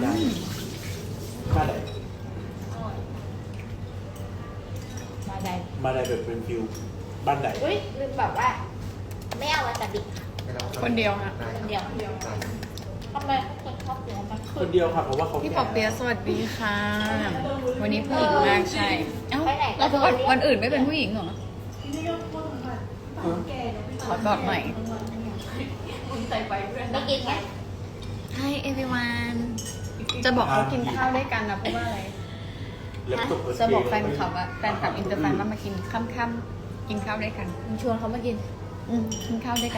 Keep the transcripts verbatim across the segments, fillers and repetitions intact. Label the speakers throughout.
Speaker 1: ได้มาได้
Speaker 2: มาได้
Speaker 1: มาได้แบบเป็นฟิวบ้านไหน
Speaker 2: อุ้ยลืมแบบว่าไม่เอาวาซาบิ
Speaker 3: คนเดียวค่ะ
Speaker 2: คนเดียวคนเดียวทำไมคนชอบกินมัน
Speaker 1: คนเดียวค่ะเพราะว่าเขา
Speaker 3: พี่ปอเปียะสวัสดีค่ะ วันนี้ผู้หญิงมากใช่เอ้าแล้ววันวันอื่นไม่เป็นผู้หญิงเหรอขอกอดหน่อย
Speaker 2: ไม่กินไง
Speaker 3: Hi everyone จะบอกเขากินข้าวด้วยกันนะเพราะว่าอะไรจะบอกแฟนคลับว่าแฟนคลับอินเตอร์แฟนว่ามากินค่ำๆกินข้าวด้วยกัน
Speaker 2: ชวนเขามากิน
Speaker 3: อืมกินข้าวด้วยกัน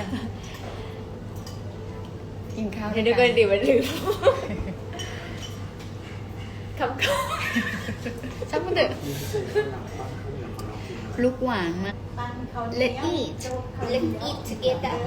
Speaker 3: กินข้าวด้
Speaker 2: เดี๋
Speaker 3: วย
Speaker 2: วย ดูกั
Speaker 3: กัน น
Speaker 2: ดิมันลืมคำค
Speaker 3: ช่างมันเถอะลูกหวานมาก
Speaker 2: ำ Let's eat Let's eat together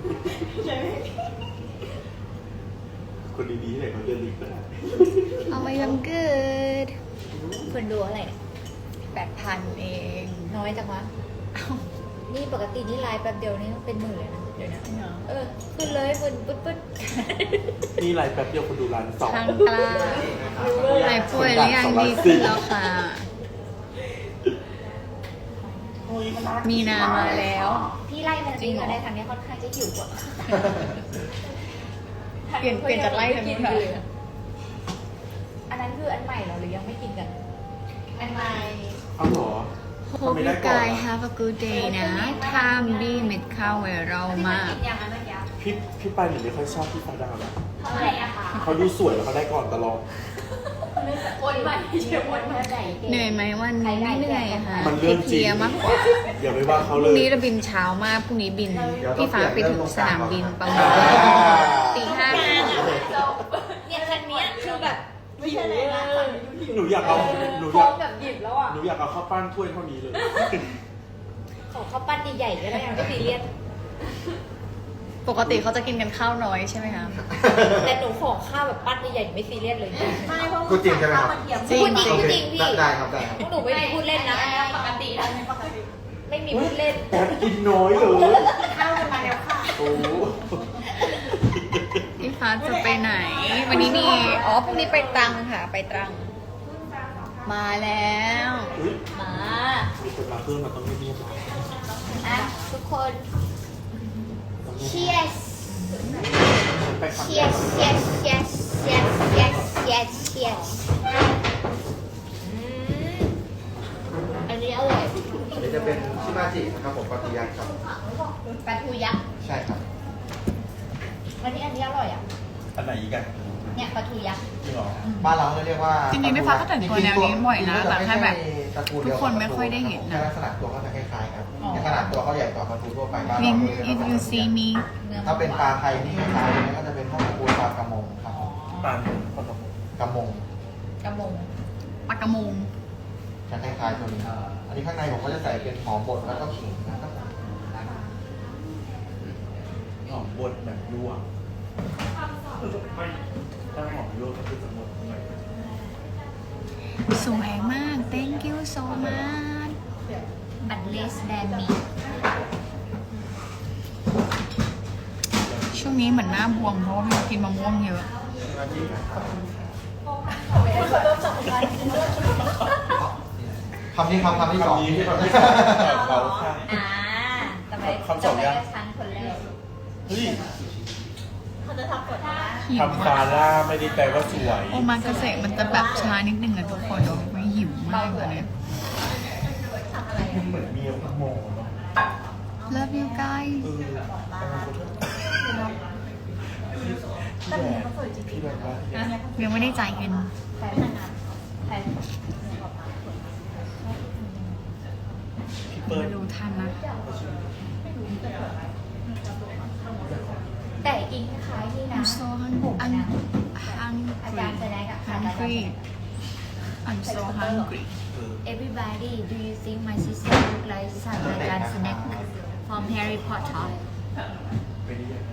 Speaker 1: คนดีๆไหนเขาเดินลิฟต์ไป
Speaker 3: เอาไว้วันเกิด
Speaker 2: คนดูอะไร
Speaker 3: แปดพันเอง
Speaker 2: น้อยจังวะ
Speaker 3: เอ้า
Speaker 2: นี่ปกตินี่ไลน์แป๊บเดียวนี่เป็นหมื่นเลยนะเดี๋ยวนะ
Speaker 3: จริงเหรอ
Speaker 2: เออขึ้นเลยขึ้นปึ๊ดปึ๊ด
Speaker 1: นี่ไลน์แป๊บเดียวคนดูร้านสอง
Speaker 3: ช่างกล้าหายป่วยหรือยังดีขึ้นแล้วค่ะ มีนามาแล้ว
Speaker 2: พี่ไล่มัน
Speaker 3: จริงเหรอ
Speaker 2: มาได้ทางนี้ค่อนข้างจะหิวกว่า
Speaker 3: เปลี่ยนเปลี่ยนจากไล่ทางนู้นค่ะ
Speaker 2: อันนั้นคืออันใหม่เหรอหรือยังไม่กินกัน อันใหม่
Speaker 1: เอาเหรอ
Speaker 3: Hope you guys have a good day นะทามดีเม็ดข้าวไวเรามาก
Speaker 2: กินยังอันเมื่อกี้
Speaker 1: พี่พี่ปายหนูไม่ค่อยชอบพี่ฟ้าดาวนะ
Speaker 2: เท่าไหร่อะคะ
Speaker 1: เขาดูสวยแล้วเขาได้ก่อนตลอด
Speaker 2: คนใหม่เชียวคนใหม่
Speaker 3: เหนื่อยไหมวันนี้ไม่เหนื่อยค่ะ
Speaker 1: มันเรื่องจริง
Speaker 3: เพลียมากกว่า
Speaker 1: อย่าไปว่าเขา
Speaker 3: พ
Speaker 1: เล
Speaker 3: รุ่ง
Speaker 1: ย
Speaker 3: นี้เราบินเช้ามากพรุ่งนี้บินพี่ฟ้าไปถึงสนามบินประมาณตีห้า
Speaker 2: เนี่ยคันเนี้ยคือแบบไม่ใช่เลยนะ
Speaker 1: หนูอยากเอาหนู
Speaker 2: พ
Speaker 1: อ
Speaker 2: ร้
Speaker 1: ยา
Speaker 2: อก มแบบหยิบแล้วอ่ะ
Speaker 1: หนูอยากเอาข้าวปั้นถ้วยเท่านี้เลย
Speaker 2: ขอข้าวปั้นใหญ่ๆก็ได้ไม่ซีเรียส
Speaker 3: ปกติเขาจะกินกันข้าวน้อยใช่ไหมคะ
Speaker 2: แต่หนูขอข้าวแบบปั้นใหญ่ๆไม่ซีเรียสเลยไม่เพราะ
Speaker 4: พูดจริงใช่ไหมครับ
Speaker 3: จริง
Speaker 2: พูดจริง
Speaker 3: จริง
Speaker 2: พูดจริงพี่
Speaker 4: ได้ครับได้ครับ
Speaker 2: พวกหนูไม่มีพูดเล่นนะปกติแล้วปกติไม่มีพูดเล่น
Speaker 1: แป๊บกินน้อยเลย
Speaker 2: ข้าวกันมาแล้วค่ะ
Speaker 1: โอ้
Speaker 3: พี่ฟ้าจะไปไหน วันนี้มีอ๋อพรุ่งนี้ไปตรังค่ะ ไปตรัง มาแล้ว
Speaker 1: อุ๊ย
Speaker 2: มา
Speaker 1: มีคนมาเพิ่มมาต้องเงียบๆหน่อย
Speaker 2: อ่ะทุกคน
Speaker 1: ต้องเงียบ
Speaker 2: cheers
Speaker 1: ๆไปคำแรก
Speaker 2: cheers cheers cheers cheers cheers cheers cheers อืมอันนี้อร่อย
Speaker 4: อันนี้จะเป็นชิมาจินะครับผมปาติยักษ์ครับ
Speaker 2: ปลาทูยักษ์
Speaker 4: ใช่ครับ
Speaker 2: อันนี้อันนี้อร่อยอ่ะ
Speaker 1: อันไหนอีกอะ
Speaker 2: เนี่ยปลาทูยักษ์
Speaker 1: จริงเหรอ
Speaker 4: บ้านเราเรียกว่า
Speaker 3: จริงๆพี่ฟ้าก็แต่งตัวแนวนี้บ่อยนะ
Speaker 4: จริงๆ
Speaker 3: แต่แค่แบบ
Speaker 4: ตระกูล
Speaker 3: ทุ
Speaker 4: เดี
Speaker 3: ก
Speaker 4: ยว
Speaker 3: คนไม่ค่อยได้เห็นนะ
Speaker 4: แค่ลักษณะตัวเขาจะคล้ายๆครับ
Speaker 3: อ๋อ
Speaker 4: ในขนาดตัวเขาใหญ่กว่าปลาทูทั่วไปบ้าน
Speaker 3: วิ
Speaker 4: เรา
Speaker 3: ง
Speaker 4: เลย
Speaker 3: if you see me
Speaker 4: ถ้าเป็นปลาไทยที่คล้ายๆเนี่ยก็จะเป็นพวกตระกูลปลากระมงครับ
Speaker 1: ปลาหนึ่งปลาหนึ่ง
Speaker 4: กระมง
Speaker 2: กระมง
Speaker 3: ปากกระมง
Speaker 4: จะคล้ายๆตัวนี้อันนี้ข้างในผมก็จะใส่เป็นหอมบดแล้วก็ขิงนะครับ
Speaker 1: หอมบดแบบลวกไม่ถ้าหอมลวกก็คือจะหมดหน่อย
Speaker 3: สวยมาก thank you so much
Speaker 2: unless than me
Speaker 3: ช่วงนี้เหมือนหน้าบวมเพราะว่าพี่กินมะม่วงเยอะ
Speaker 4: ชิมาจินะครับคำนี้คำคำที่สอง
Speaker 1: คำนี้ที่เราได้เราค่ะ
Speaker 2: อ่าทำไม
Speaker 1: คำสองยัง
Speaker 2: ทำไมฉันคนแรก
Speaker 1: เฮ้ย
Speaker 2: เขาจะทำกดนะ
Speaker 3: หิว
Speaker 1: ทำฟาร่าไม่ได้แปลว่าสวย
Speaker 3: โอมากาเสะมันจะแบบช้านิดนึงอะทุกคนไม่หิวมากตอนนี้
Speaker 2: ทำอะไร
Speaker 1: มันเหมือนเมียขโมยเนาะ
Speaker 3: love you guys
Speaker 1: เออพี่แบบว่า
Speaker 3: ยังไม่ได้จ่ายเงิน
Speaker 2: แฟนนานแฟน
Speaker 1: พี่เปิ้ล
Speaker 3: มาดูทันนะ
Speaker 2: แต่จริงคล้ายๆนี่นะ
Speaker 3: I'm so hungry I'm
Speaker 2: อาจารย์แสดงกับ
Speaker 3: hungry I'm so hungry
Speaker 1: เออ
Speaker 2: Everybody do you think my sister look like ศาสตราจารย์ Snape from Harry Potter
Speaker 1: ไปได้ยังไง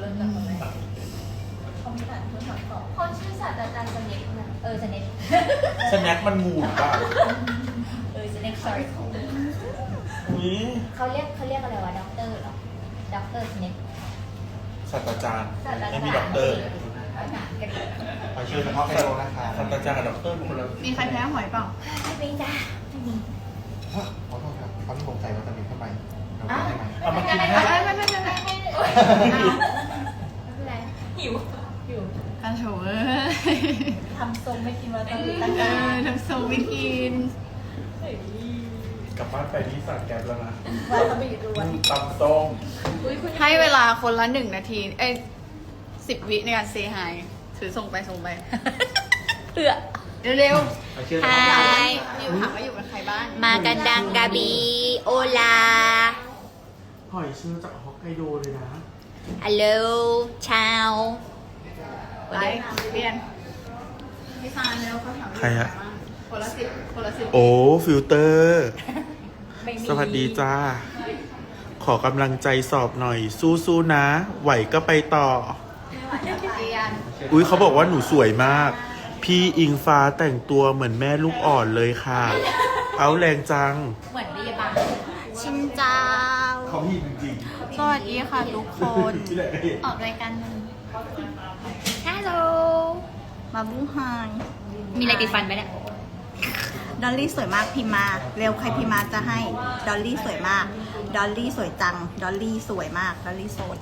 Speaker 2: คนชื่อศาสตราจารย์ Snape นะเออ Snape
Speaker 1: สแน็คมันงูหรือเปล่า
Speaker 2: เออ Snape sorry
Speaker 1: อุ้ย
Speaker 2: เขาเรียกเขาเรียกอะไรวะด็อกเตอร์เหรอด็อกเตอร์ Snape
Speaker 1: ศาสตราจารย์
Speaker 2: ศาสตราจารย์
Speaker 1: ไม่มีด็อกเตอร์
Speaker 2: เ
Speaker 4: หอยเชลล์เฉพาะไคโดนะคะ
Speaker 1: ศาสตราจารย์กับด็อกเตอร์เป็นคนละ
Speaker 3: มีใครแพ้หอยเปล่า
Speaker 2: ไม่เป็นจ้าไม่มี
Speaker 4: ขอโทษครับเขาที่ผมใส่วิตามินเข้าไปเรากินได้ไหม
Speaker 1: เอามากินให้
Speaker 3: ไม่ไม่ไม่ไม่ไม่
Speaker 2: ไม่เป็นไร
Speaker 5: หิวหิว
Speaker 3: กันโถเอ้ย
Speaker 5: ทำทรงไม่กินวาซาบิตั้ง
Speaker 3: เอ
Speaker 5: นา
Speaker 3: อน ทำทรงไม่กิน
Speaker 5: เฮ้ย
Speaker 1: กลับบ้านไปที่สั่งแก๊บแล้วนะ
Speaker 5: วาซาบิรวน
Speaker 1: ตำส้ม
Speaker 5: อุ้ยคุณ
Speaker 3: ให้เวลาคนละหนึ่งนาที เอ้ยสิบวิในการเซฮายถือส่งไปส่งไป
Speaker 2: เพื่อ
Speaker 3: เร็ว
Speaker 4: หอยเชลล์
Speaker 2: ไฮ
Speaker 3: ๆอยู่ถามว่าอยู่กับใครบ้าง
Speaker 2: มากันดังกาบีโอลา
Speaker 1: หอยเชลล์จากฮอกไกโดเลยนะ
Speaker 2: ฮัลโหลชาว
Speaker 3: ไปเปลี่ยนพี่ฟานแล้วเขาถามว่า
Speaker 1: ใครอะ
Speaker 3: คนละสิบคนละสิบ
Speaker 1: โอ้ฟิลเตอร์
Speaker 5: ไม่มี
Speaker 1: สวัสดีจ้า ขอกำลังใจสอบหน่อย สู้ๆนะ ไหวก็ไปต่อ
Speaker 3: เปลี่ยน
Speaker 1: อุ้ยเขาบอกว่าหนูสวยมาก พี่อิงฟ้าแต่งตัวเหมือนแม่ลูกอ่อนเลยค่ะ เอาแรงจัง
Speaker 5: เหมือนพยาบาล
Speaker 2: ชินเจ้า
Speaker 1: เขาพี่จริง
Speaker 3: สวัสดีค่ะทุกคน
Speaker 1: ๆที่ไหนก็เห็น
Speaker 3: ออกรายการหนึ่ง
Speaker 2: ฮัลโหล
Speaker 6: มาบูไฮ
Speaker 2: มีอะไรติดฟันไหมเนี่ย
Speaker 6: ดอลลี่สวยมากพิมพ์มา เร็วใครพิมพ์มาจะให้ ดอลลี่สวยมาก ดอลลี่สวยจัง ดอลลี่สวยมาก ดอลลี่โสด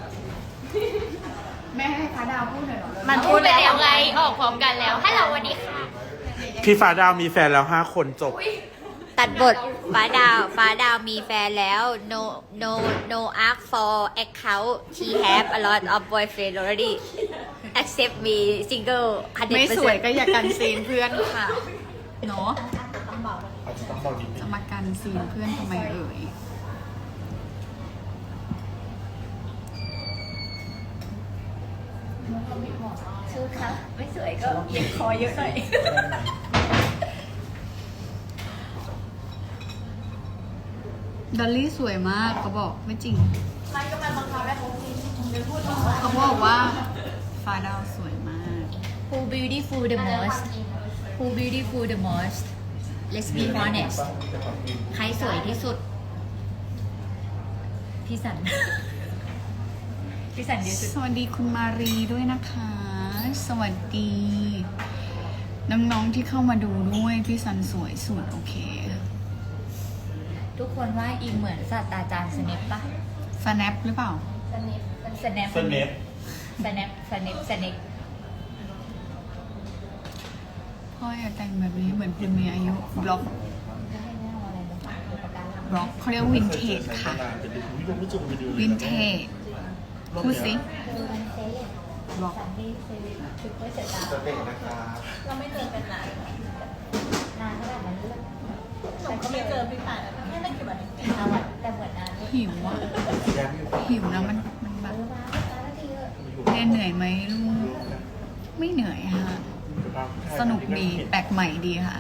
Speaker 3: แม่ให้ฟ้าดาวพูดหน่อยเหรอ
Speaker 6: มัน
Speaker 2: พูดไปแล้วไง ออกพร้อมกันแล้วฮัลโหลสวัสดีค่ะ
Speaker 1: พี่ฟ้าดาวมีแฟนแล้วห้าคนจบ
Speaker 2: ตัดบทฟ้าดาว ฟ้าดาวมีแฟนแล้ว no no no ask for account she have a lot of boyfriend already accept me single
Speaker 3: ไม่สวยก็อย่ากันซีนเพื่อนค่ะเนาะ
Speaker 1: อาจจะต้องบอกนิดนึ
Speaker 3: จะ
Speaker 1: ง
Speaker 3: มากันซีนเพื่อนทำไมเอ่ย
Speaker 5: ชื่อครับไม่สวยก็เอียงคอเยอะหน่อย
Speaker 3: ดอลลี่สวยมากเขาบอกไม่จริง
Speaker 5: มันก็มาบังคับให้เขากินเดี๋ยวพูดว่า
Speaker 3: เขาบอกว่าฟ้าดาวสวยมาก
Speaker 5: Who beautiful the most Who beautiful the most Let's be honest ใครสวยที่สุด พี่สัน พี่สันเดียวสุด
Speaker 3: สวัสดีคุณมารีด้วยนะคะ สวัสดี น้องๆที่เข้ามาดูด้วยพี่สันสวยสุดโอเค
Speaker 5: ทุกคนว่าอิงเหมือนศาสตราจารย์สเนปปะ
Speaker 3: สแนปหรือเปล่า
Speaker 5: สเนปสเนป
Speaker 1: สเนป
Speaker 5: สเนปสเนปสเนป
Speaker 3: พ่ออย่าแต่งแบบนี้เหมือนคุณมีอายุบล็อกบล็อกเขาเรียกวินเทจค่ะ วินเทจพูดสิบล็อก
Speaker 4: จะเด็กนะคะ
Speaker 5: เราไม่เจอกันนานนานขนาดนั้นเลยหนูก็ไม่เจอพี่ป่านแค่ไม่กี่วันเองแต่เหมือนนาน
Speaker 3: หิวอ่ะหิวนะมันมันแบบเรียนเหนื่อยไหมลูกไม่เหนื่อยค่ะ สนุกดีแปลกใหม่ดีค่ะ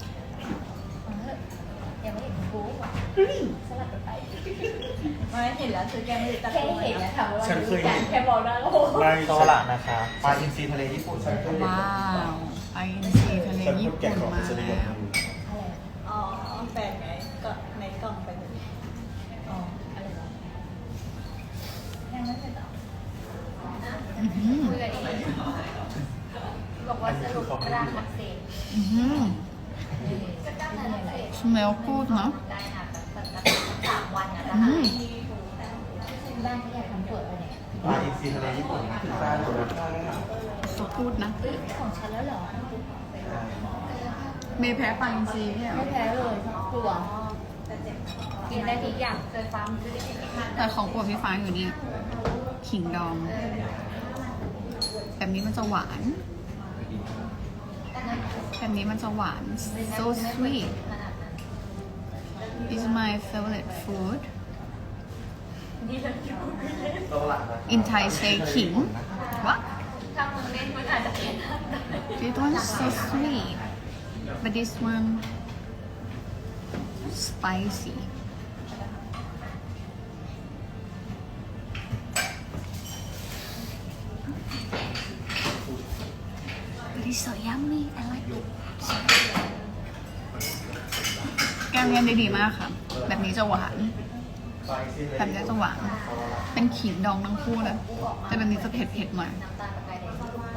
Speaker 5: ยังไม่เห็นกูสลับกันไปไม่เห็นแล้วคือแกไม่ได้ตัดแค่เห็นแล้วถามว่า
Speaker 1: ฉันเคยเห็น
Speaker 5: แค่บอกนะโอ้โห
Speaker 1: ไม่
Speaker 4: โซล่านะคะปลาอินทรีทะเลญี่ปุ่นนะ
Speaker 3: ว้าวไปอินซีทะเล
Speaker 1: ฉัน
Speaker 3: ญี่
Speaker 1: พูดแกะ
Speaker 3: ปุ่น
Speaker 1: ของ
Speaker 3: มา
Speaker 1: ฉันได้
Speaker 3: แล้
Speaker 1: ยัง
Speaker 3: ว
Speaker 5: อ๋อแฟนไงก็ในกล่องไปเลยอ๋ออะไรวะยังไม่เสร็จหรอ
Speaker 3: อื้อหือ
Speaker 5: คุยกันเองบอกว่าสรุปร่างอักเสบ
Speaker 3: อื้อหือ
Speaker 5: ก็ตั้งแต่ไหน
Speaker 3: smell good เนอะ
Speaker 5: ได้ค่ะแบบสามวันอ่ะจะ
Speaker 3: อื
Speaker 5: หาม ยบ้านที่อยากทำเปิดอะไรเนี่ย
Speaker 4: ปลาอินทรีทะเลญี่ปุ่นนะคะ
Speaker 3: ก็พูดนะ
Speaker 5: เฮ้ยของฉันแล้วเหรอ
Speaker 3: เมย์แพ้ปลาอินซีใช่ไหม
Speaker 5: ไม่แพ้เลยกลัวกินได้ทุกอย่างเคยฟังคือได้กินทุกอย่าง
Speaker 3: แต่ของโปรดพี่ฟ้าอยู่เนี่ยขิงดอง แบบนี้มันจะหวาน แบบนี้มันจะหวาน so sweet is my favorite food
Speaker 4: โซล่านะคะ
Speaker 3: in Thai say ขิง what
Speaker 5: ถ้ามึงเล่นมันอาจจะเป็น
Speaker 3: this one so sweet but this one spicy but it's so yummy I like it แกงเลียนได้ดีมากค่ะ แบบนี้จะหวาน
Speaker 4: ปลาอินทรีทะเล
Speaker 3: แบบนี้จะหวาน เป็นขิงดองทั้งคู่เลยแต่แบบนี้จะเผ็ดๆหน่อย
Speaker 5: น้ำตาลกับไก่แดง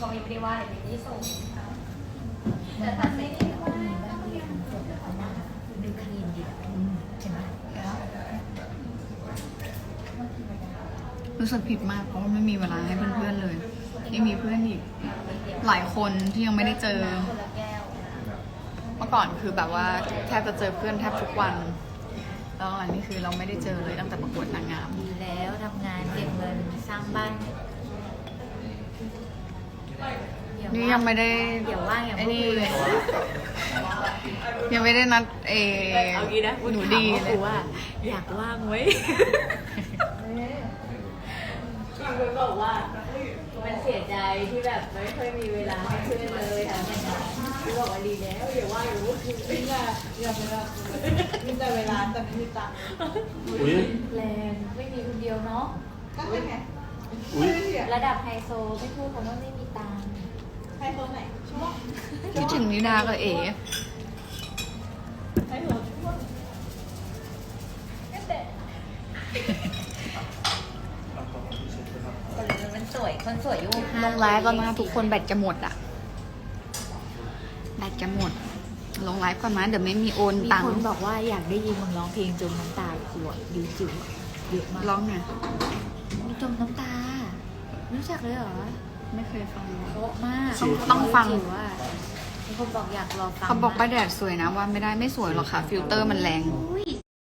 Speaker 2: เขาไม่ได้ว่าอะไรไม่ได้ส่งแต่ตอนไม่ได้ว่าดูคลีนดีใช่ไหม
Speaker 3: รู้สึกผิดมากเพราะว่าไม่มีเวลาให้เพื่อนๆเลยยังมีเพื่อนอีกหลายคนที่ยังไม่ได้เจอ เมื่อก่อนคือแบบว่าแทบจะเจอเพื่อนแทบทุกวันแล้วอันนี้คือเราไม่ได้เจอเลยตั้งแต่ประกวดนางงาม
Speaker 2: ดีแล้วทำงานเก็บเงินสร้างบ้าน
Speaker 3: นี่ยังไม่ได้
Speaker 2: เดี๋ยวว่างอย่างพ
Speaker 3: ไอ้
Speaker 2: วก
Speaker 3: นี่
Speaker 2: กูเลย
Speaker 3: ยังไม่ได้นัดเอ
Speaker 2: เอางี้นะ
Speaker 3: หนูดี
Speaker 2: ถาม
Speaker 3: เล
Speaker 2: กู
Speaker 3: ย
Speaker 2: ว่าอยากว่างไว้คุณบอกว่ามันเสียใจที่แบบไม่ค่อยมีเวลาให้เพื่อนเลยทำงานคุณบอกว่าดีแล้วอย่าว่างอยู่
Speaker 5: ไม่ได้อยากไปแบบมีแต่เวลาแต่ไม่มีตังค์
Speaker 1: อุ้ย
Speaker 2: แรงไม่มีคนเดียวเนาะ
Speaker 5: ก็ใช่ไง
Speaker 1: อุ้ย
Speaker 2: ระดับไฮโซไม่พูดคำว่าไม่มีตังค์
Speaker 5: ให้คนไหนช่วง
Speaker 3: คิดถึงนิดากับเอ๋
Speaker 5: ให้หัวช่วง
Speaker 1: เอาของที่เช็ดไปครับ
Speaker 2: แต่มันสวยคนสวยอยู่
Speaker 3: ลงไลฟ์แล้วนะทุกคนแบตจะหมดอะแบตจะหมด ลงไลฟ์ก่อนนะเดี๋ยวไม่มีโอน
Speaker 2: มี
Speaker 3: ตัง
Speaker 2: คน
Speaker 3: ค์
Speaker 2: บอกว่าอยากได้ยินมึงร้องเพลงจมน้ำตาหัวดีจิ๋วเยอะมาก
Speaker 3: ร้องไง
Speaker 2: มีจมน้ำตารู้จักเลยเหรอ
Speaker 3: ไม่เคยฟัง
Speaker 2: เพราะมาก
Speaker 3: ต้องต้องฟัง
Speaker 2: จิ๋วอะมีคนบอกอยากรอฟัง
Speaker 3: เขาบอกป้าแดดสวยนะว่าไม่ได้ไม่สวยหรอกค่ะ ฟิลเตอร์มันแรง
Speaker 2: อุ้ย